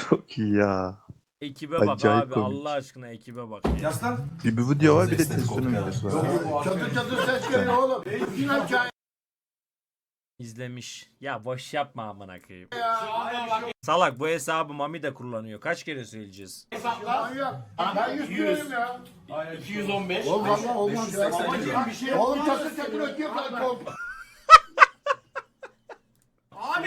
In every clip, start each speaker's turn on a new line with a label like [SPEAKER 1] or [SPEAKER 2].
[SPEAKER 1] Çok iyi ya.
[SPEAKER 2] Ekibe bak
[SPEAKER 1] Acayip
[SPEAKER 2] abi,
[SPEAKER 1] komik.
[SPEAKER 2] Allah aşkına ekibe bak.
[SPEAKER 3] Yaslan.
[SPEAKER 1] Bir video var bir de Testo'nun videosu var.
[SPEAKER 4] Çatır çatır ses geliyor oğlum. Yine hikaye
[SPEAKER 2] İzlemiş. Ya boş yapma amına koyayım.
[SPEAKER 4] ya.
[SPEAKER 2] Salak, bu hesabı Mami de kullanıyor. Kaç kere söyleyeceğiz?
[SPEAKER 4] Manyak. Ben 100 kiloyum ya.
[SPEAKER 3] 215.
[SPEAKER 4] Oğlum valla olmaz ya.
[SPEAKER 3] 580. Bir şey
[SPEAKER 4] Oğlum çatır çatır ötüyor kalk.
[SPEAKER 3] Abi.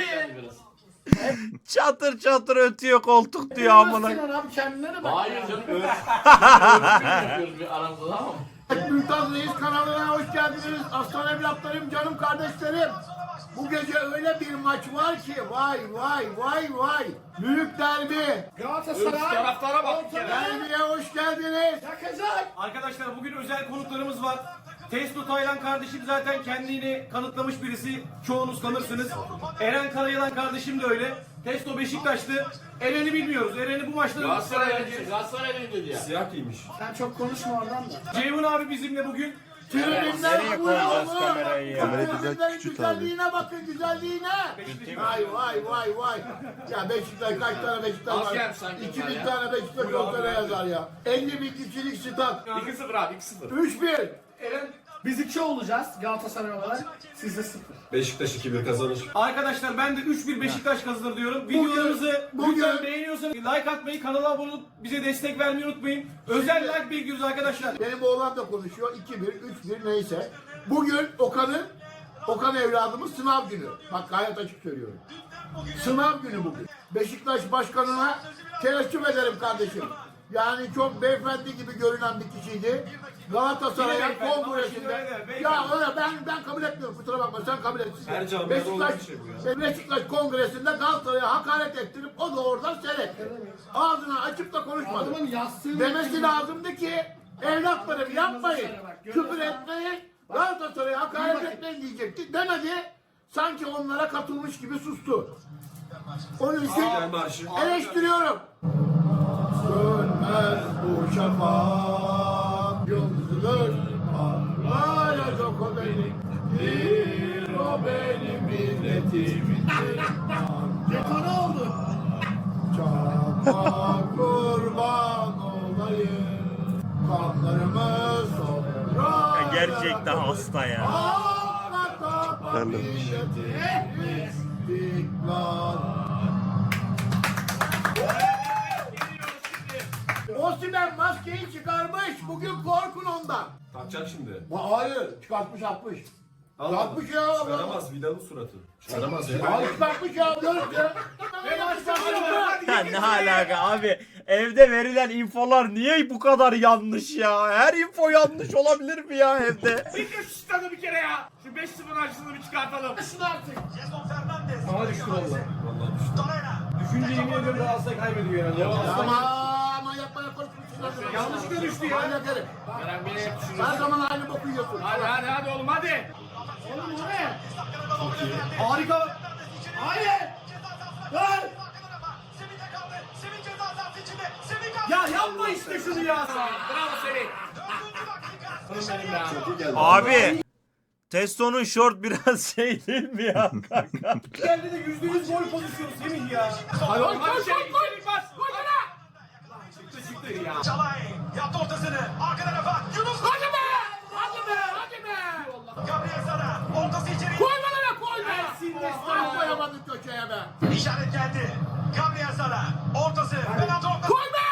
[SPEAKER 2] Çatır çatır ötüyor koltuk diyor amına.
[SPEAKER 4] Sinan abi kendine bak.
[SPEAKER 3] Hayır canım öyle. Yapıyoruz bir aramızda tamam mı?
[SPEAKER 4] Mümtaz Reis kanalına hoş geldiniz. Aslan evlatlarım, canım kardeşlerim. Bu gece öyle bir maç var ki vay vay vay vay. Büyük derbi. Galatasaray.
[SPEAKER 3] Taraftara bak bir kere.
[SPEAKER 4] Derbiye hoş geldiniz.
[SPEAKER 5] Arkadaşlar bugün özel konuklarımız var. Testo Taylan kardeşim zaten kendini kanıtlamış birisi. Çoğunuz tanırsınız. Eren Karayalan kardeşim de öyle. Testo Beşiktaşlı. Eren'i bilmiyoruz. Eren'i bu maçta...
[SPEAKER 3] Galatasaray'ın dedi ya.
[SPEAKER 5] Siyah giymiş.
[SPEAKER 4] Sen çok konuşma oradan da.
[SPEAKER 5] Ceyhun abi bizimle bugün.
[SPEAKER 4] Tribünler
[SPEAKER 2] Nereye koyacağız kamerayı ya?
[SPEAKER 1] Kamerayı düzelt,
[SPEAKER 4] Tribünlerin
[SPEAKER 1] küçült
[SPEAKER 4] güzelliğine bakın, güzelliğine. Vay vay vay vay. Ya Beşiktaş kaç tane Beşiktaş
[SPEAKER 3] Az
[SPEAKER 4] var?
[SPEAKER 3] gelmiş sanki
[SPEAKER 4] 2000
[SPEAKER 3] bunlar ya.
[SPEAKER 4] tane Beşiktaş ortaya yazar ya. 50 bin kişilik stat.
[SPEAKER 3] 2-0 abi 2-0.
[SPEAKER 4] 3-1.
[SPEAKER 5] Eren...
[SPEAKER 6] Biz 2 olacağız Galatasaray olarak. Siz de 0.
[SPEAKER 7] Beşiktaş 2-1 kazanır.
[SPEAKER 5] Arkadaşlar ben de 3-1 Beşiktaş kazanır diyorum. Videolarımızı lütfen beğeniyorsanız like atmayı, kanala abone olup bize destek vermeyi unutmayın. Özel like bekliyoruz arkadaşlar.
[SPEAKER 4] Benim oğlan da konuşuyor. 2-1, 3-1 neyse. Bugün Okan evladımız sınav günü. Bak gayet açık söylüyorum. Sınav günü bugün. Beşiktaş başkanına teessüf ederim kardeşim. Yani çok beyefendi gibi görünen bir kişiydi. Galatasaray'a
[SPEAKER 5] Yine beyefendi,
[SPEAKER 4] kongresinde.
[SPEAKER 5] ama şimdi öyle, beyefendi.
[SPEAKER 4] Ya öyle ben kabul etmiyorum. Kusura bakma sen kabul et.
[SPEAKER 7] Her camiada olan bir şey bu ya.
[SPEAKER 4] Beşiktaş kongresinde Galatasaray'a hakaret ettirip o da oradan seyretti. Ağzını açıp da konuşmadı.
[SPEAKER 6] Adamın yastığı...
[SPEAKER 4] Demesi lazımdı ki evlatlarım yapmayın, küfür etmeyin, Galatasaray'a hakaret etmeyin diyecekti. Demedi, sanki onlara katılmış gibi sustu. Onun için
[SPEAKER 7] İstiklal Marşı.
[SPEAKER 4] eleştiriyorum. Sönmez bu şafak, yıldızlar parlayacak o benimdir, o benim milletimin.
[SPEAKER 6] Detone oldu.
[SPEAKER 4] Çakma kurban olayım, kanlarımız sonra.
[SPEAKER 2] Ya gerçekten hasta ya.
[SPEAKER 1] Terlemiş.
[SPEAKER 4] Osimhen maskeyi çıkarmış. Bugün korkun ondan.
[SPEAKER 7] Takacak şimdi.
[SPEAKER 4] Hayır, çıkartmış atmış. Yapmış ya.
[SPEAKER 7] Çıkaramaz Vidal'ın suratı. Çıkaramaz ya.
[SPEAKER 4] Hayır, çıkartmış ya. Görüntü.
[SPEAKER 2] Ya ne alaka abi? Evde verilen infolar niye bu kadar yanlış ya? Her info yanlış olabilir mi ya evde?
[SPEAKER 3] Bir şu stadı bir kere ya. Şu 5-0 açısını bir çıkartalım.
[SPEAKER 6] Şunu artık.
[SPEAKER 5] Bana düştü valla.
[SPEAKER 7] Vallahi düştü.
[SPEAKER 5] Düşünce yemin ediyorum Galatasaray kaybediyor herhalde.
[SPEAKER 4] Ama yapmaya konuşmuşsun.
[SPEAKER 5] Yanlışlıkla düştü ya.
[SPEAKER 4] Manyak herif.
[SPEAKER 3] Eren beni hep düşünüyorsun.
[SPEAKER 4] Her zaman aynı boku yiyorsun.
[SPEAKER 3] Hadi oğlum hadi.
[SPEAKER 6] Oğlum o ne?
[SPEAKER 5] Harika.
[SPEAKER 6] Hayır. Dur.
[SPEAKER 5] Ya yapma işte şunu ya.
[SPEAKER 3] Bravo Semih. Benim ya.
[SPEAKER 7] Çok iyi geldi.
[SPEAKER 2] Abi Testo'nun short biraz şey değil mi ya kanka?
[SPEAKER 5] Geldi de %100 gol pozisyonu Semih ya.
[SPEAKER 3] Hadi oğlum hadi içeri bas. Çıktı ya.
[SPEAKER 8] Çalay yaptı ortasını. Arka tarafa Yunus.
[SPEAKER 4] Hadi be! Hadi be! Hadi be!
[SPEAKER 8] Gabriel Sara. Ortası içeri.
[SPEAKER 4] Koyma lan koyma! Ah koyamadın köşeye be!
[SPEAKER 8] İşaret geldi. Gabriel Sara. Ortası. Penaltı ortası.
[SPEAKER 4] Koy be!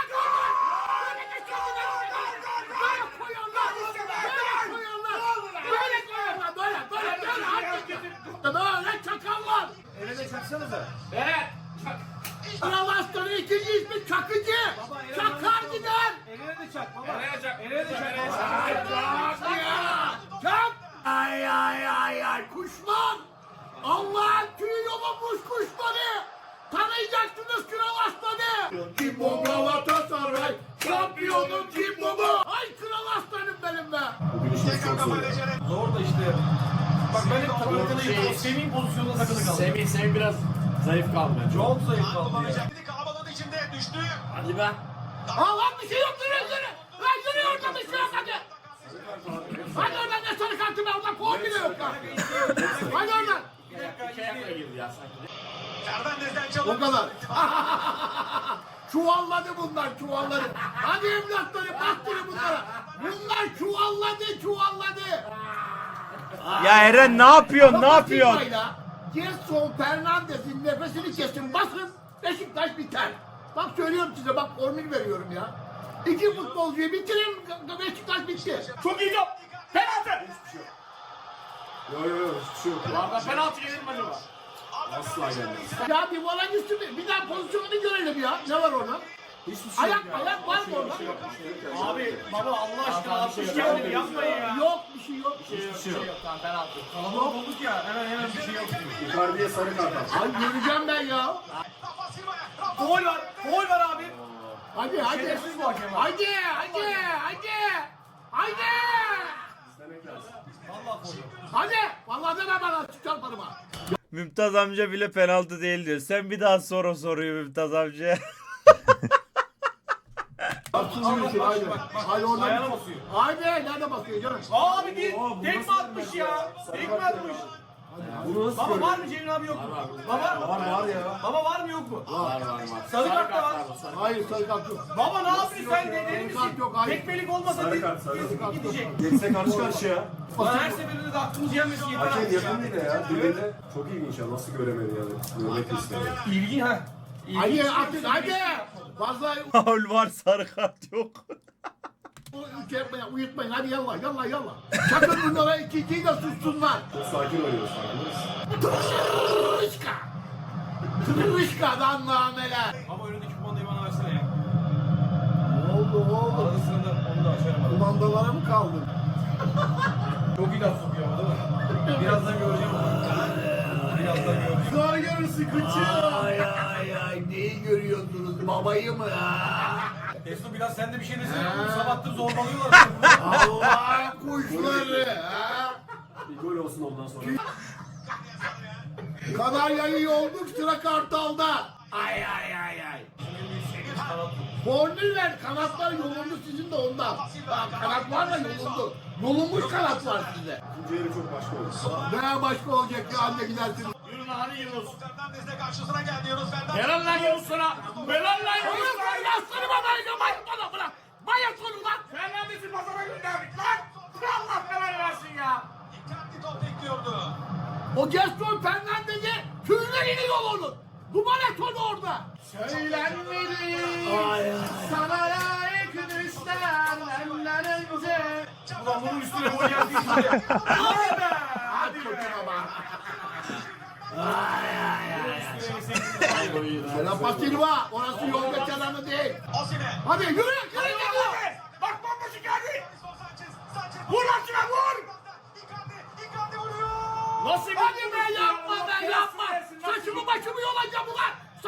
[SPEAKER 4] Böyle çakallar!
[SPEAKER 5] Eren'e çaksanıza.
[SPEAKER 3] Evet.
[SPEAKER 4] Kral Aslan'ın ikinci ismi Çakıcı! Çakar gider!
[SPEAKER 5] Eren'e de çak baba.
[SPEAKER 3] Eren'e çak.
[SPEAKER 5] Eren'e de çak.
[SPEAKER 4] Çak ya! Çak! Ay ay ay ay kuşlar! Allah'ın tüyü yolunmuş kuşları! Tanıyacaksınız Kral Aslan'ı! Kim bu Galatasaray? Şampiyonun kim bu? Ay Kral Aslan'ım benim be!
[SPEAKER 7] Bugün işimiz çok zor.
[SPEAKER 5] Zor da işte. Bak ben hep takıldığını Semih'in pozisyonunda takılı kaldım.
[SPEAKER 3] Semih biraz zayıf kaldı.
[SPEAKER 5] Çok zayıf kaldı ya.
[SPEAKER 8] Kullanacak. Kalabalığın içinde düştü.
[SPEAKER 3] Hadi be.
[SPEAKER 4] Lan bir şey yok yürü! Lan yürü oradan bir şey yok hadi! Hadi oradan ne sarı kartı be oradan puan bile yok lan! Hadi oradan!
[SPEAKER 3] İki ayakla girdi ya sanki.
[SPEAKER 8] Fernandez'den
[SPEAKER 4] O
[SPEAKER 8] çalım.
[SPEAKER 4] kadar. Çuvalladı bunlar, çuvalladı. Hadi evlatları, baktırın bunlara. Bunlar çuvalladı.
[SPEAKER 2] Ya Eren ne yapıyorsun? Ne yapıyorsun?
[SPEAKER 4] Gerson Fernandez'in nefesini kesin, basın. Beşiktaş biter. Bak söylüyorum size, bak formül veriyorum ya. İki futbolcuyu bitirin, Beşiktaş bitti.
[SPEAKER 3] Çok iyi top. Penaltı.
[SPEAKER 7] Yo hiçbir şey yok.
[SPEAKER 3] Valla penaltı gelir mi acaba?
[SPEAKER 7] Asla gelmez.
[SPEAKER 4] Ya bir volan üstü bir daha pozisyonunu görelim ya. Ne var orada?
[SPEAKER 7] Hiçbir şey yok.
[SPEAKER 4] Ayak var mı orada?
[SPEAKER 5] Abi baba Allah aşkına 60 kendini yapmayın ya.
[SPEAKER 4] Yok, bir şey yok.
[SPEAKER 7] Hiçbir şey yok.
[SPEAKER 3] Tamam penaltı.
[SPEAKER 5] Kalabalık olduk ya hemen bir şey yok.
[SPEAKER 7] Icardi'ye sarı kart at.
[SPEAKER 4] Ay göreceğim ben ya.
[SPEAKER 5] Foul var abi.
[SPEAKER 4] Hadi.
[SPEAKER 5] Şerefsiz bu hakem abi.
[SPEAKER 4] Hadi.
[SPEAKER 7] İstemek lazım.
[SPEAKER 5] Vallahi foul.
[SPEAKER 4] Hadi. Vallahi deme bana, çarparım ha.
[SPEAKER 2] Mümtaz amca bile penaltı değil diyor. Sen bir daha sor o soruyu Mümtaz amca.
[SPEAKER 4] Haydi oradan.
[SPEAKER 5] Ayağına basıyor.
[SPEAKER 4] Haydi, nerede basıyor canım?
[SPEAKER 5] Abi değil. Tekme atmış ya. Tekme atmış.
[SPEAKER 7] Bunu nasıl
[SPEAKER 5] Baba var mı Cemil abi yok mu? Baba
[SPEAKER 7] Var ya.
[SPEAKER 5] Baba var mı yok mu?
[SPEAKER 6] Var.
[SPEAKER 5] Sarı kart da var.
[SPEAKER 4] Hayır, sarı kart yok.
[SPEAKER 5] Baba ne yapıyorsun sen de deli
[SPEAKER 4] Sarı kart
[SPEAKER 5] misin?
[SPEAKER 4] yok, hayır.
[SPEAKER 5] Tekmelik olmasa
[SPEAKER 7] Sarı kart, sarı kart.
[SPEAKER 5] gidecek.
[SPEAKER 7] Geçse karşı karşıya.
[SPEAKER 5] Lan her seferinde de aklımız yenmesin yeter
[SPEAKER 7] Hakem
[SPEAKER 5] artık ya.
[SPEAKER 7] yakın değil de ya. Dibinde çok ilginç ya. Nasıl göremedi yani. Görmek istedi.
[SPEAKER 5] İlgi ha.
[SPEAKER 4] Hadi atın, hadi. Fazla
[SPEAKER 2] Faul var sarı kart yok.
[SPEAKER 4] uyutmayın. Hadi yallah. Çakın bunlara, ikinciyi de sussunlar.
[SPEAKER 7] Çok sakin oynuyoruz farkındayız.
[SPEAKER 4] Tırışka'dan nameler.
[SPEAKER 5] Ama önündeki kumandayı bana versene ya.
[SPEAKER 4] Ne oldu?
[SPEAKER 5] Arada sırada onu da açarım.
[SPEAKER 4] Kumandalara mı kaldın?
[SPEAKER 5] Çok iyi laf sokuyor ama değil mi? Birazdan göreceğim onu. Birazdan göreceğim.
[SPEAKER 4] Sonra görürsün kıçı. Ay. Neyi görüyorsunuz? Babayı mı?
[SPEAKER 5] Testo biraz sen de bir şey desene. Oğlum sabahtır zorbalıyorlar.
[SPEAKER 4] Allah kuşları.
[SPEAKER 7] Bir gol olsun ondan sonra.
[SPEAKER 4] Kanarya'yı yolduk, sıra Kartal'da. Ay. Formül ver, kanatlar yolundu sizin de ondan. Kanat var da yolundu. Yolunmuş kanat var sizde.
[SPEAKER 7] İkinci yarı çok başka oldu.
[SPEAKER 4] Ne başka olacak ya, anne gidersiniz.
[SPEAKER 3] Yürü lan hadi Yunus.
[SPEAKER 8] Fernandez de karşısına geldi Yunus Fernandez.
[SPEAKER 3] Helal lan Yunus sana. Helal lan Yunus
[SPEAKER 4] Oğlum
[SPEAKER 3] sana.
[SPEAKER 4] sen yaslanı bana bırak. Bayasın ulan.
[SPEAKER 3] Fernandez'i pazara gönderdik lan. Allah belanı versin ya.
[SPEAKER 8] Dikkatli top bekliyordu.
[SPEAKER 4] O Gerson Fernandez'e tüylerini yol onun. Duman et onu orada.
[SPEAKER 3] Söylenmedi. Sana layık düşler ellerimize.
[SPEAKER 5] Ulan bunun üstüne gol geldi işte. Hadi be.
[SPEAKER 4] Hadi bakayım ama. Rafa Silva, orası yolda kenarı değil.
[SPEAKER 8] Osimhen.
[SPEAKER 4] Hadi yürü.
[SPEAKER 3] Bak bomboşu geldi.
[SPEAKER 8] Sanchez.
[SPEAKER 3] Vur lan şuna vur.
[SPEAKER 8] Icardi vuruyor.
[SPEAKER 3] Nasıl bir
[SPEAKER 4] Hadi be, yapma. Saçımı başımı yolacağım ulan.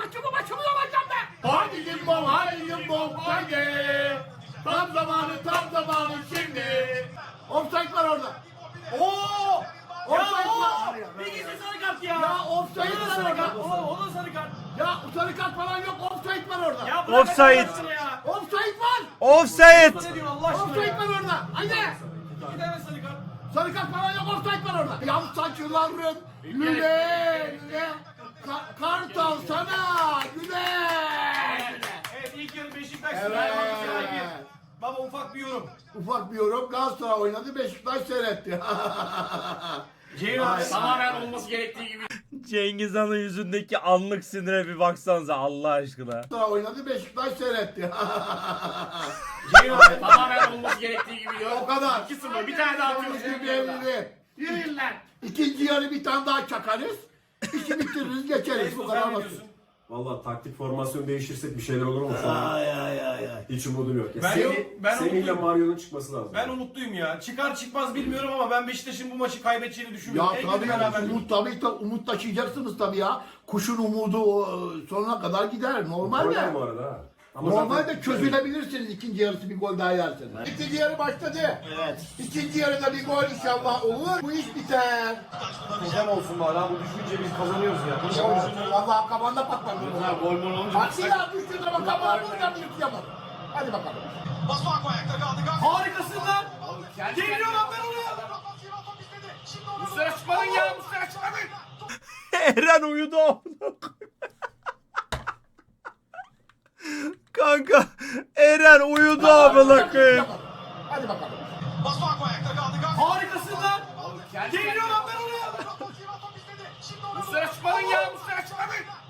[SPEAKER 4] Hadi limbom. Hadi. Tam zamanı şimdi. Offside var orada.
[SPEAKER 5] Oo!
[SPEAKER 4] Offside
[SPEAKER 5] Ya
[SPEAKER 4] var.
[SPEAKER 5] o! Bir gizli sarı kart ya.
[SPEAKER 4] Ya offside
[SPEAKER 5] O da
[SPEAKER 4] var
[SPEAKER 5] sarı kart.
[SPEAKER 4] orada.
[SPEAKER 5] O da sarı kart.
[SPEAKER 4] Ya sarı kart falan yok. Offside var orada.
[SPEAKER 5] Ya bırak
[SPEAKER 2] Offside.
[SPEAKER 5] Allah'ını ya.
[SPEAKER 4] Offside var.
[SPEAKER 2] Offside.
[SPEAKER 5] Ne diyorsun Allah aşkına
[SPEAKER 4] Offside
[SPEAKER 5] ya?
[SPEAKER 4] var orada. Hadi.
[SPEAKER 5] 2 tane sarı kart.
[SPEAKER 4] Sarı kart falan yok. Offside var orada. Yan saçların lüle. Kartal sana güle.
[SPEAKER 5] Evet ilk yarı Beşiktaş
[SPEAKER 4] Evet.
[SPEAKER 5] Fenerbahçe. Baba ufak bir yorum.
[SPEAKER 4] Ufak bir yorum. Galatasaray oynadı. Beşiktaş seyretti.
[SPEAKER 5] Ceyhun abi
[SPEAKER 3] Tamamen olması gerektiği gibi.
[SPEAKER 2] Cengiz Han'ın yüzündeki anlık sinire bir baksanıza Allah aşkına.
[SPEAKER 4] Galatasaray oynadı. Beşiktaş seyretti.
[SPEAKER 5] Ceyhun abi
[SPEAKER 3] Tamamen olması gerektiği gibi.
[SPEAKER 4] O kadar.
[SPEAKER 3] 2-0 bir tane daha atıyoruz.
[SPEAKER 4] Belli.
[SPEAKER 3] Yürüyün lan.
[SPEAKER 4] İkinci yarı bir tane daha çakarız. İşi bitiririz, geçeriz. Bu
[SPEAKER 5] Testo
[SPEAKER 4] kadar
[SPEAKER 5] sen ne
[SPEAKER 4] basit.
[SPEAKER 5] diyorsun?
[SPEAKER 7] Valla taktik formasyon değiştirsek bir şeyler olur mu şu an? Hiç umudum yok. Ya
[SPEAKER 5] Ben
[SPEAKER 7] Semih'le
[SPEAKER 5] umutluyum.
[SPEAKER 7] Mario'nun çıkması lazım.
[SPEAKER 5] Ben umutluyum ya. Çıkar çıkmaz bilmiyorum ama ben Beşiktaş'ın bu maçı kaybedeceğini
[SPEAKER 4] Ya
[SPEAKER 5] düşünmüyorum. En kötü
[SPEAKER 4] tabii
[SPEAKER 5] beraberlik.
[SPEAKER 4] umut taşıyacaksınız tabii ya. Kuşun umudu sonuna kadar gider. Normalde.
[SPEAKER 7] Oynar bu arada ha. Ama
[SPEAKER 4] Normalde
[SPEAKER 7] zaten-
[SPEAKER 4] çözülebilirsiniz ikinci yarısı bir gol daha yerseniz. İkinci yarı başladı.
[SPEAKER 3] Evet.
[SPEAKER 4] İkinci yarıda bir gol inşallah olur. Bu iş biter.
[SPEAKER 5] Güzel olsun bari ha bu düşünce biz kazanıyoruz ya.
[SPEAKER 4] Vallahi kafanda patlar.
[SPEAKER 3] Gol mol olunca
[SPEAKER 4] Bak silah düştüğü zaman kafana vuracağım yıkayamam. Hadi bakalım.
[SPEAKER 8] Masuaku ayakta kaldı.
[SPEAKER 5] Harikasın lan. Geliyor lan ben oraya.
[SPEAKER 3] Muslera çıkmadın ya. Muslera çıkmadın.
[SPEAKER 2] Eren uyudu. Kanka Eren uyudu amına koyayım.
[SPEAKER 4] Hadi bakalım.
[SPEAKER 8] Basuak ayakta kaldı.
[SPEAKER 5] Harikasın lan. Geliyor lan ben oraya.
[SPEAKER 3] Muslera çıkmadın ya. Muslera çıkmadın.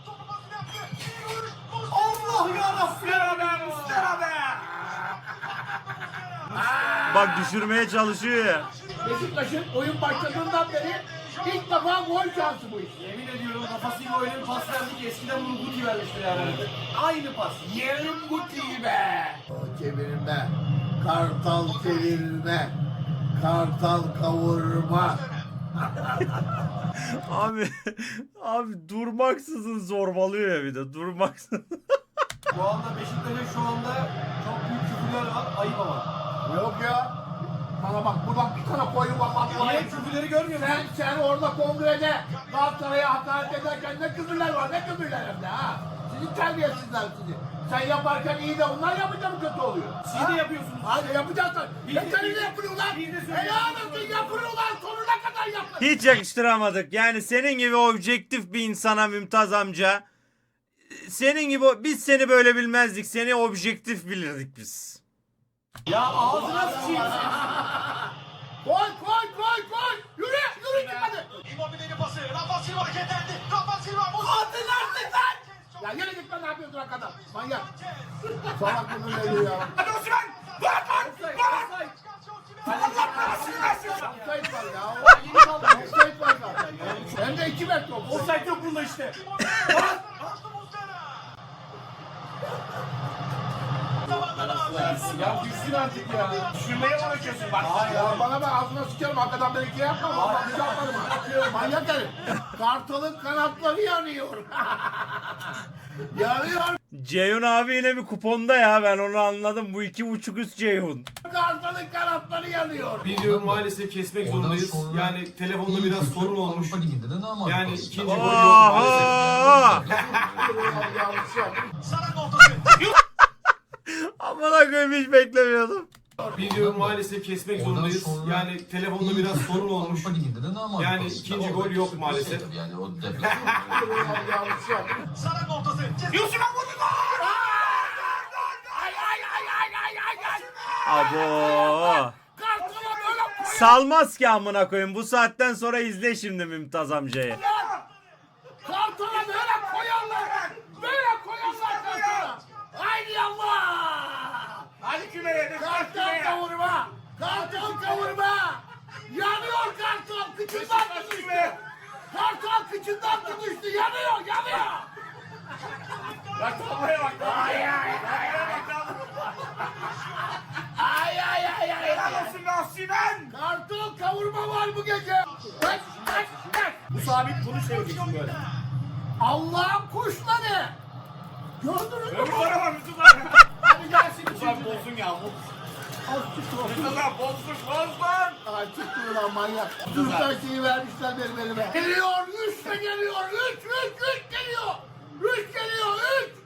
[SPEAKER 5] Allah yarabbim.
[SPEAKER 3] Muslera be.
[SPEAKER 2] Bak düşürmeye çalışıyor ya.
[SPEAKER 4] Beşiktaş'ın oyun başladığından beri ilk defa gol şansı bu iş.
[SPEAKER 5] Yemin ediyorum kafasıyla öyle bir pas verdi ki eskiden bunu Guti vermiştir yani. Aynı pas.
[SPEAKER 4] Yerim Guti'yi be. O çevirme, kartal çevirme, kartal kavurma.
[SPEAKER 2] Abi durmaksızın zorbalıyor ya bir de durmaksızın.
[SPEAKER 5] Bu anda Beşiktaş'ın şu anda çok büyük küfürler var. Ayıp ama.
[SPEAKER 4] Yok ya. Bana bak buradan bir tane koyun bak.
[SPEAKER 5] Niye küfürleri görmüyor musun?
[SPEAKER 4] Sen orada kongrede Galatasaray'a hakaret ederken ne küfürler var, ne küfürler hem de ha. Sizin terbiyesizler sizi. Sen yaparken iyi de onlar yapınca mı kötü oluyor?
[SPEAKER 5] Siz de yapıyorsunuz.
[SPEAKER 4] Hadi yapacağız lan.
[SPEAKER 5] Biz de-
[SPEAKER 4] Yeterli de yapıyorlar.
[SPEAKER 5] biz de söylüyoruz.
[SPEAKER 4] Helal olsun yapıyorlar. Sonuna kadar yapın.
[SPEAKER 2] Hiç yakıştıramadık. Yani senin gibi objektif bir insana Mümtaz amca. Senin gibi biz seni böyle bilmezdik. Seni objektif bilirdik biz.
[SPEAKER 5] Ya ağzına sıçayım.
[SPEAKER 4] Koy. Yürü gitmedi.
[SPEAKER 8] Immobile'nin pası. Rafa Silva hareketlendi. Rafa Silva.
[SPEAKER 4] Atın artık lan. Ya yine gitme ne yapıyorsun arkada? Manyak. Salak bunun eli ya.
[SPEAKER 3] Hadi Osman.
[SPEAKER 5] Offside.
[SPEAKER 4] Offside var ya. Offside var zaten ya. Hem de 2 metre offside.
[SPEAKER 5] Offside yok bunda işte. Ya düşsün artık ya.
[SPEAKER 3] Düşürmeye uğraşıyorsun bak.
[SPEAKER 4] Ya bana bak ağzına sıçarım. Hakikaten ben 2 yapmam. Vallahi bir yaparım. Manyak herif. Kartalın kanatları yanıyor. Yanıyor.
[SPEAKER 2] Ceyhun abi yine bir kuponda ya ben onu anladım. Bu 2.5 üst Ceyhun.
[SPEAKER 4] Kartalın kanatları yanıyor.
[SPEAKER 5] Videoyu maalesef kesmek zorundayız. Yani telefonda biraz sorun olmuş. Yani ikinci golü yok maalesef.
[SPEAKER 2] Aha!
[SPEAKER 4] Yanlış yaptım.
[SPEAKER 8] Saran ortası.
[SPEAKER 2] Amına koyayım hiç beklemiyordum.
[SPEAKER 5] Videoyu maalesef kesmek zorundayız. Yani telefonda biraz sorun olmuş. Yani ikinci gol yok maalesef.
[SPEAKER 4] Yanlış yaptım.
[SPEAKER 8] Saran ortası.
[SPEAKER 3] Yusuf'a vurdu gol.
[SPEAKER 2] Abo.
[SPEAKER 4] Kartala böyle koy.
[SPEAKER 2] Salmaz ki amına koyayım. Bu saatten sonra izle şimdi Mümtaz amcayı.
[SPEAKER 4] Kartala böyle koyarlar. Böyle koyarlar kartala. Haydi Allah.
[SPEAKER 3] Hadi kümeye.
[SPEAKER 4] Kartal kavurma. Kartal kavurma. Yanıyor kartal. Kıçından tutuştu. Kartal kıçından tutuştu. Yanıyor.
[SPEAKER 3] Bak tablaya bak.
[SPEAKER 4] Ay.
[SPEAKER 3] Helal olsun be Osimhen.
[SPEAKER 4] Kartal kavurma var bu gece. Bak.
[SPEAKER 3] Bu sabit bunu çevireceksin böyle.
[SPEAKER 4] Allah'ın kuşları. Gördünüz mü?
[SPEAKER 3] Öbür tarafa Mustafa.
[SPEAKER 4] Hadi gelsin
[SPEAKER 3] Ulan
[SPEAKER 4] şimdi.
[SPEAKER 3] bozsun ya.
[SPEAKER 4] Az çıktı o.
[SPEAKER 3] Mustafa bozsun.
[SPEAKER 4] Ay çıktı ulan manyak. Türkler şeyi vermişler benim elime. Geliyor. 3 de geliyor. 3 geliyor. 3 geliyor.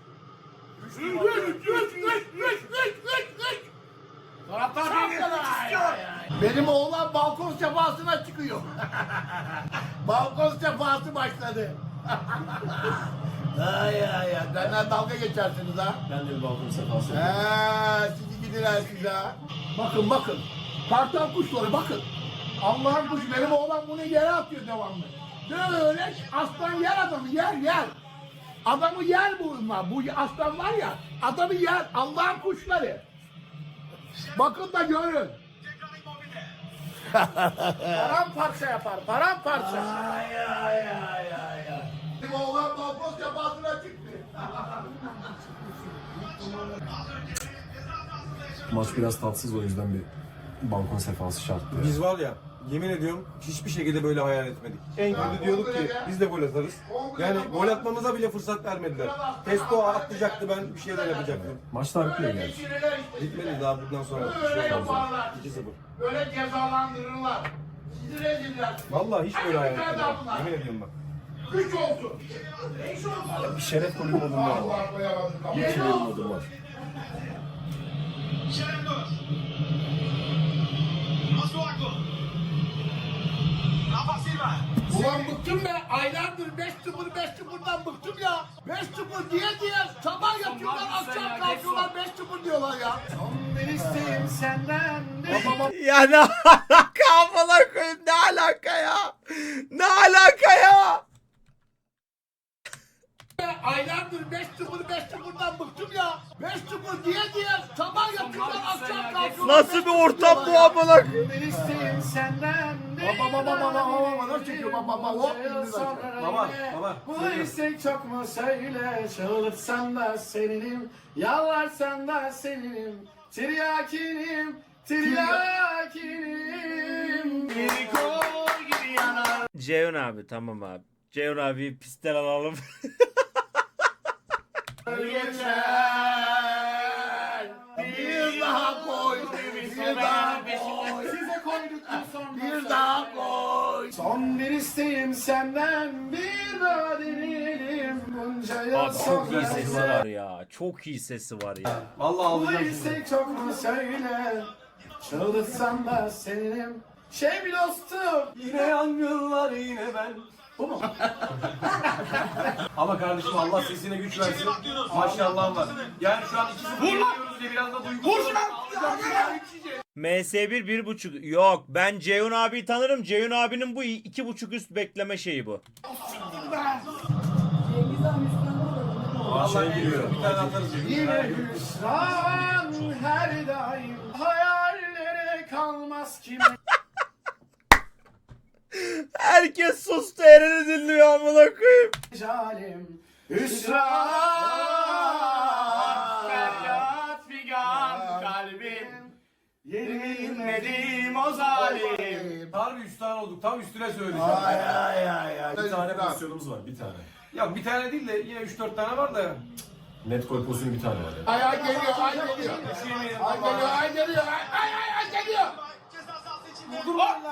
[SPEAKER 4] 3.
[SPEAKER 3] Taraftar beni istiyor.
[SPEAKER 4] Benim oğlan balkon sefasına çıkıyor. Balkon sefası başladı. ay. Benden dalga geçersiniz ha.
[SPEAKER 5] Ben de bir balkon sefası.
[SPEAKER 4] Sizi gidiler size ha. Bakın. Kartal kuşları bakın. Allah'ın kuşu benim oğlan bunu yere atıyor devamlı. Böyle aslan yer adamı yer. Adamı yer bunlar. Bu aslan var ya adamı yer. Allah'ın kuşları. Bakın da görün. Paramparça yapar. Ay. Benim oğlan balkon sefasına çıktı.
[SPEAKER 7] Maç biraz tatsız, o yüzden bir balkon sefası şarttı.
[SPEAKER 9] Biz var ya, yemin ediyorum hiçbir şekilde böyle hayal etmedik. En kötü diyorduk ki biz de gol atarız. Yani gol atmamıza bile fırsat vermediler. Testo atlayacaktı, ben bir şeyler yapacaktım.
[SPEAKER 7] Maç daha bitmiyor gerçi.
[SPEAKER 9] Bitmedi daha bundan sonra.
[SPEAKER 4] Böyle yaparlar.
[SPEAKER 9] 2-0.
[SPEAKER 4] Böyle cezalandırırlar. Sizi reziller.
[SPEAKER 9] Vallahi hiç böyle hayal etmedim. Yemin ediyorum bak.
[SPEAKER 4] 3 olsun.
[SPEAKER 7] Bir şeref golü modunda var.
[SPEAKER 4] Allah koyamadım.
[SPEAKER 7] Bir şeref modu var.
[SPEAKER 8] Şerendor. Masuaku. Rafa Silva.
[SPEAKER 4] Ulan bıktım be. Aylardır 5-0'dan bıktım ya. 5-0 diye sabah yatıyorlar, akşam kalkıyorlar 5-0 diyorlar ya.
[SPEAKER 6] Bir isteğim senden
[SPEAKER 4] Baba
[SPEAKER 2] Ya ne alaka amına koyayım, ne alaka ya? Ne alaka ya?
[SPEAKER 4] aylardır 5-0'dan bıktım ya. 5-0 diye sabah yatıyorlar akşam kalkıyorlar.
[SPEAKER 2] Nasıl bir ortam bu amına?
[SPEAKER 6] bir isteğim senden
[SPEAKER 4] Baba nasıl çekiyor baba hop
[SPEAKER 9] Baba.
[SPEAKER 6] Bu istek çok mu söyle, çığlıksan da seninim, yalvarsan da seninim, tiryakinim, bir kol gibi yanar.
[SPEAKER 2] Ceyhun abi, tamam abi. Ceyhun abi pistten alalım.
[SPEAKER 4] Geçer. Bir daha koy. Bir daha koy.
[SPEAKER 6] Size koyduktan sonra
[SPEAKER 4] Bir daha koy.
[SPEAKER 6] son bir isteğim senden, bir daha deneyelim bunca yıl
[SPEAKER 2] Abi çok iyi sesi
[SPEAKER 6] sonra.
[SPEAKER 2] var ya. Çok iyi sesi var ya.
[SPEAKER 9] Vallahi
[SPEAKER 6] Bu
[SPEAKER 9] ağlayacağım şimdi.
[SPEAKER 6] istek çok mu söyle, çığlıksan da seninim, bir dostum.
[SPEAKER 9] Yine yangınlar yine ben.
[SPEAKER 6] Bu mu?
[SPEAKER 9] Ama kardeşim Allah sesine güç versin. Maşallah var. Yani şu an 2-0 yeniyoruz diye biraz da duygusal.
[SPEAKER 2] MS1 1.5. Yok, ben Ceyhun abiyi tanırım. Ceyhun abinin bu 2.5 üst bekleme şeyi bu.
[SPEAKER 9] Vallahi giriyor. Bir tane atarız.
[SPEAKER 6] Yine hüsran her daim, hayallere kalmaz kim.
[SPEAKER 2] Herkes sustu, Eren'i dinliyor amına koyayım.
[SPEAKER 6] Calim hüsran feryat figan kalbim, yenilmedim o zalim.
[SPEAKER 9] Harbi 3 tane olduk. Tam üstüne söyleyeceğim.
[SPEAKER 4] Ay.
[SPEAKER 7] Bir tane pozisyonumuz var, bir tane.
[SPEAKER 9] Ya bir tane değil de yine 3-4 tane var da.
[SPEAKER 7] Net gol pozisyonu bir tane var.
[SPEAKER 4] Ay geliyor. Ay geliyor. Ay geliyor. Ay geliyor.
[SPEAKER 9] Dur lan.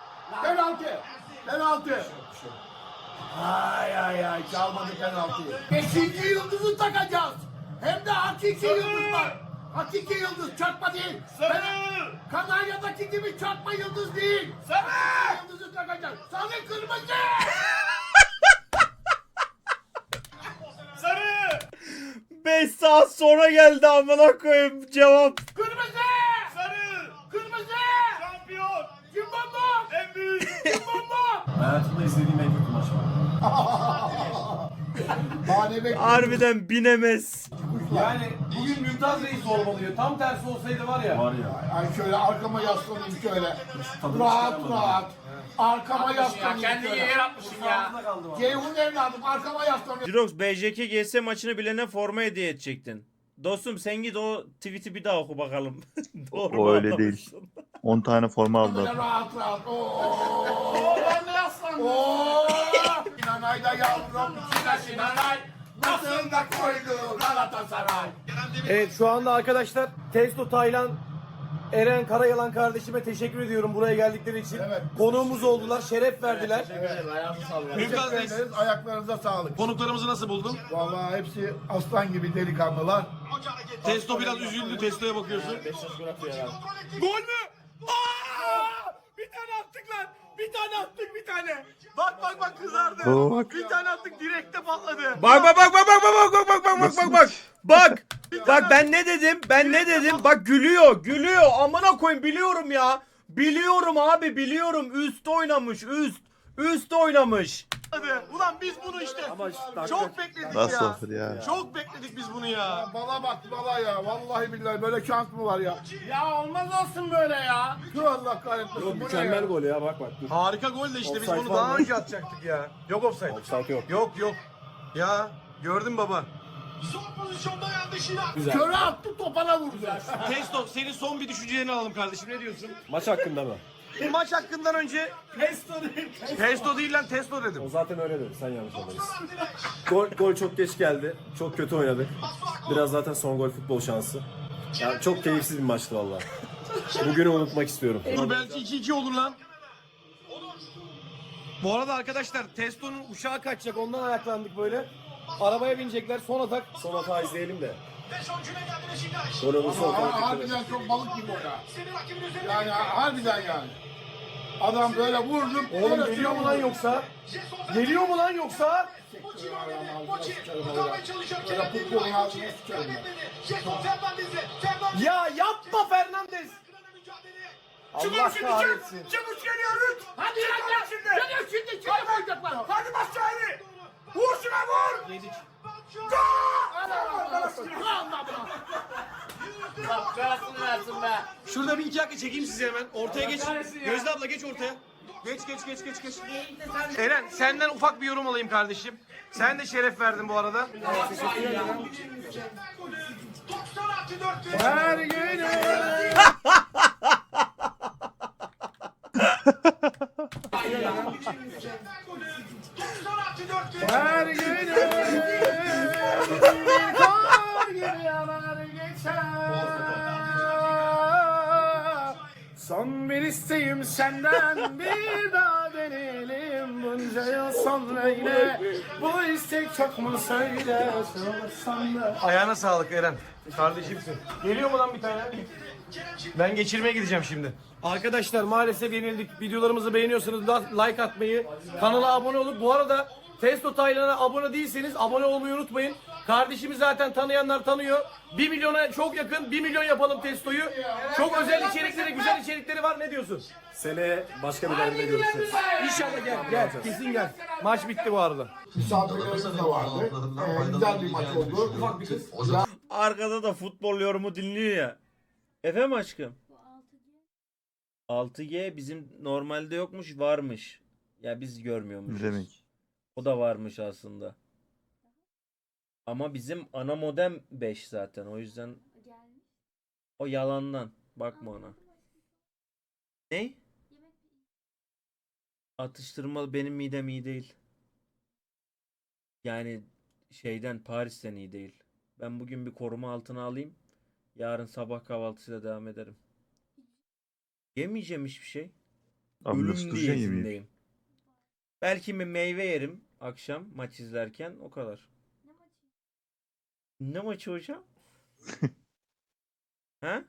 [SPEAKER 4] Penaltı. Ay çalmadı penaltıyı. 5. yıldızı takacağız. Hem de hakiki yıldız var. Hakiki yıldız, çarpma değil. Kanarya'daki gibi çarpma yıldız değil. Sarı yıldızı takacağız. Sarı kırmızı.
[SPEAKER 2] 5 saat sonra geldi amına koyayım cevap.
[SPEAKER 4] Kırmızı. Sarı. Kırmızı. Şampiyon. Kim bomba? En büyük. Kim bomba?
[SPEAKER 7] Hayatımda izlediğim en kötü maç var.
[SPEAKER 2] Harbiden binemez.
[SPEAKER 9] Yani bugün Mümtaz Reis olmalıydı. Tam tersi olsaydı var ya.
[SPEAKER 7] Var ya.
[SPEAKER 4] Ay şöyle arkama yaslanayım şöyle.
[SPEAKER 7] Tadını
[SPEAKER 4] Rahat
[SPEAKER 7] çıkaramadım.
[SPEAKER 4] rahat. Arkama yaslanayım
[SPEAKER 6] Kendini
[SPEAKER 4] şöyle.
[SPEAKER 6] yer atmışsın ya.
[SPEAKER 9] Ağzına kaldı bak.
[SPEAKER 4] Ceyhun evladım arkama yaslanıyorum.
[SPEAKER 2] Jirox BJK GS maçını bilene forma hediye edecektin. Dostum sen git o tweet'i bir daha oku bakalım. Doğru
[SPEAKER 1] O
[SPEAKER 2] mu
[SPEAKER 1] öyle
[SPEAKER 2] anlamışsın?
[SPEAKER 1] değil. 10 tane forma aldılar.
[SPEAKER 4] Böyle rahat rahat.
[SPEAKER 6] Ben de yaslandım.
[SPEAKER 4] Sinanay da yavrum. Sinanay. Nasıl da koydu Galatasaray.
[SPEAKER 5] Evet şu anda arkadaşlar Testo Taylan Eren Karayalan kardeşime teşekkür ediyorum buraya geldikleri için.
[SPEAKER 4] Evet.
[SPEAKER 5] Konuğumuz oldular, şeref verdiler.
[SPEAKER 4] Teşekkür ederiz. Ayaklarınıza sağlık.
[SPEAKER 5] Konuklarımızı nasıl buldun?
[SPEAKER 4] Vallahi hepsi aslan gibi delikanlılar.
[SPEAKER 5] Testo biraz üzüldü, Testo'ya bakıyorsun. Gol mü? Aa! Bir tane attık lan. Bir tane attık bir tane. Bak kızardı.
[SPEAKER 1] Bak.
[SPEAKER 5] Bir tane attık direkte patladı.
[SPEAKER 2] Bak. Bak ben ne dedim? Bak gülüyor. Amına koyayım, biliyorum ya. Biliyorum abi, biliyorum. Üst oynamış.
[SPEAKER 5] Ulan biz bunu işte çok bekledik
[SPEAKER 1] Nasıl
[SPEAKER 5] ya.
[SPEAKER 1] olur ya?
[SPEAKER 5] Çok bekledik biz bunu ya.
[SPEAKER 4] Bala bak bala ya. Vallahi billahi böyle şans mı var ya?
[SPEAKER 6] Ya olmaz olsun böyle ya.
[SPEAKER 4] Şu Allah kahretmesin. Bu ne ya?
[SPEAKER 9] gol ya bak.
[SPEAKER 5] Harika gol de işte biz
[SPEAKER 9] Offside
[SPEAKER 5] bunu
[SPEAKER 9] var
[SPEAKER 5] daha
[SPEAKER 9] mı?
[SPEAKER 5] önce atacaktık ya. Yok offside.
[SPEAKER 9] Offside yok.
[SPEAKER 5] Yok. Ya gördün baba.
[SPEAKER 8] Son pozisyonda yandı Şirak.
[SPEAKER 4] Köre attı topana vurdu.
[SPEAKER 5] Testo senin son bir düşüncelerini alalım kardeşim, ne diyorsun?
[SPEAKER 9] Maç hakkında mı?
[SPEAKER 5] Bu maç hakkından önce Testo değil lan Testo dedim.
[SPEAKER 9] O zaten öyle dedi. Sen yanlış anladın. Gol çok geç geldi. Çok kötü oynadık. Biraz zaten son gol futbol şansı. Yani çok keyifsiz bir maçtı valla. Bugünü unutmak istiyorum.
[SPEAKER 5] Dur belki 2-2 olur lan. Bu arada arkadaşlar Testo'nun uçağı kaçacak, ondan ayaklandık böyle. Arabaya binecekler, son atak.
[SPEAKER 9] Son hata izleyelim de.
[SPEAKER 8] 5 oyuncuyla geldi Beşiktaş.
[SPEAKER 9] Golümüzü
[SPEAKER 4] Harbiden çok balık gibi o ya.
[SPEAKER 8] Seni rakibin üzerine
[SPEAKER 4] Yani harbiden yani. Adam böyle vurdum.
[SPEAKER 5] Oğlum geliyor mu lan yoksa? Geliyor mu lan yoksa?
[SPEAKER 4] Böyle futbolun ağzına sıçarım ben.
[SPEAKER 5] Ya yapma Fernandes. Allah kahretsin.
[SPEAKER 3] Çabuk geliyor Rüt. Hadi lan şimdi. Geliyor şimdi. Hadi koyacaklar. Hadi bas çayını. Vur şuna vur.
[SPEAKER 5] Yedik. Şurada bir iki dakika çekeyim sizi hemen. Ortaya geç. Gözde abla geç ortaya. Geç. Eren senden ufak bir yorum alayım kardeşim. Sen de şeref verdin bu arada.
[SPEAKER 6] Her günü her günü bir kar gibi yanar geçer. Son bir isteğim senden bir daha deneyelim. Bunca yıl sonra yine bu istek çok mu söyle sorsan da.
[SPEAKER 5] Ayağına sağlık Eren. Kardeşimsin. Geliyor mu lan bir tane? Ben geçirmeye gideceğim şimdi. Arkadaşlar maalesef yenildik. Videolarımızı beğeniyorsanız like atmayı, kanala abone olup bu arada Testo Taylan'a abone değilseniz abone olmayı unutmayın. Kardeşimi zaten tanıyanlar tanıyor. 1 milyona çok yakın. 1 milyon yapalım Testo'yu. Çok özel içerikleri, güzel içerikleri var. Ne diyorsun?
[SPEAKER 9] Seneye başka bir derbide görüşürüz.
[SPEAKER 5] İnşallah gel. Kesin gel. Maç bitti bu arada.
[SPEAKER 4] Misafirlerimiz de vardı. Güzel bir maç oldu.
[SPEAKER 5] Ufak bir kız.
[SPEAKER 2] Arkada da futbol yorumu dinliyor ya. Efendim aşkım? 6G bizim normalde yokmuş, varmış. Ya biz görmüyormuşuz.
[SPEAKER 1] Ne demek?
[SPEAKER 2] O da varmış aslında. Ama bizim ana modem 5 zaten. O yüzden o yalandan. Bakma ona. Ne? Atıştırmalı benim midem iyi değil. Yani şeyden Paris'ten iyi değil. Ben bugün bir koruma altına alayım. Yarın sabah kahvaltısıyla devam ederim. Yemeyeceğim hiçbir şey.
[SPEAKER 1] Abi
[SPEAKER 2] Ölüm
[SPEAKER 1] nasıl duracaksın yemeği?
[SPEAKER 2] diyetindeyim. Belki bir meyve yerim akşam maç izlerken, o kadar. Ne maçı hocam? Ha?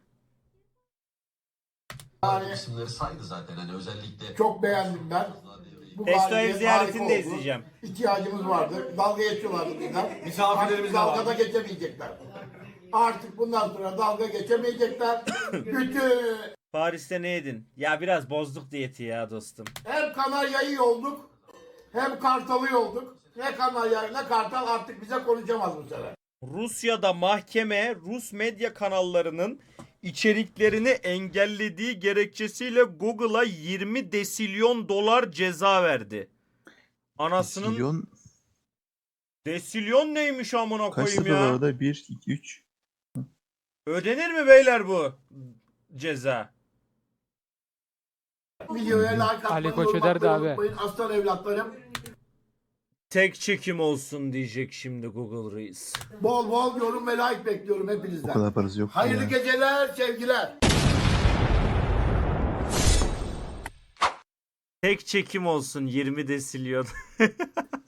[SPEAKER 8] İsimleri saydı zaten hani özellikle.
[SPEAKER 4] Çok beğendim ben. Bu
[SPEAKER 2] Testo ev
[SPEAKER 4] galibiyet
[SPEAKER 2] ziyaretini
[SPEAKER 4] harika
[SPEAKER 2] de
[SPEAKER 4] oldu.
[SPEAKER 2] izleyeceğim.
[SPEAKER 4] İhtiyacımız vardı. Dalga geçiyorlardı bizden.
[SPEAKER 5] Misafirlerimiz de
[SPEAKER 4] Artık dalga
[SPEAKER 5] var.
[SPEAKER 4] da geçemeyecekler. Artık bundan sonra dalga geçemeyecekler. Bütün
[SPEAKER 2] Paris'te ne yedin? Ya biraz bozduk diyeti ya dostum.
[SPEAKER 4] hem Kanarya'yı yolduk hem Kartal'ı yolduk. Ne Kanarya ne Kartal artık bize konuşamaz bu sefer.
[SPEAKER 2] Rusya'da mahkeme Rus medya kanallarının içeriklerini engellediği gerekçesiyle Google'a 20 desilyon dolar ceza verdi. Anasının
[SPEAKER 1] Milyon
[SPEAKER 2] desilyon neymiş amına
[SPEAKER 1] kaç
[SPEAKER 2] koyayım
[SPEAKER 1] lira var
[SPEAKER 2] ya?
[SPEAKER 1] orada? 1, 2, 3.
[SPEAKER 2] Ödenir mi beyler bu ceza?
[SPEAKER 4] Videoya like atmayı,
[SPEAKER 10] Ali Koç öderdi abi.
[SPEAKER 4] unutmayın. Aslan evlatlarım.
[SPEAKER 2] Tek çekim olsun diyecek şimdi Google Reis.
[SPEAKER 4] Bol bol yorum ve like bekliyorum
[SPEAKER 1] O
[SPEAKER 4] hepinizden.
[SPEAKER 1] kadar parası yok.
[SPEAKER 4] Hayırlı
[SPEAKER 1] ya.
[SPEAKER 4] geceler, sevgiler.
[SPEAKER 2] Tek çekim olsun 20 desilyon.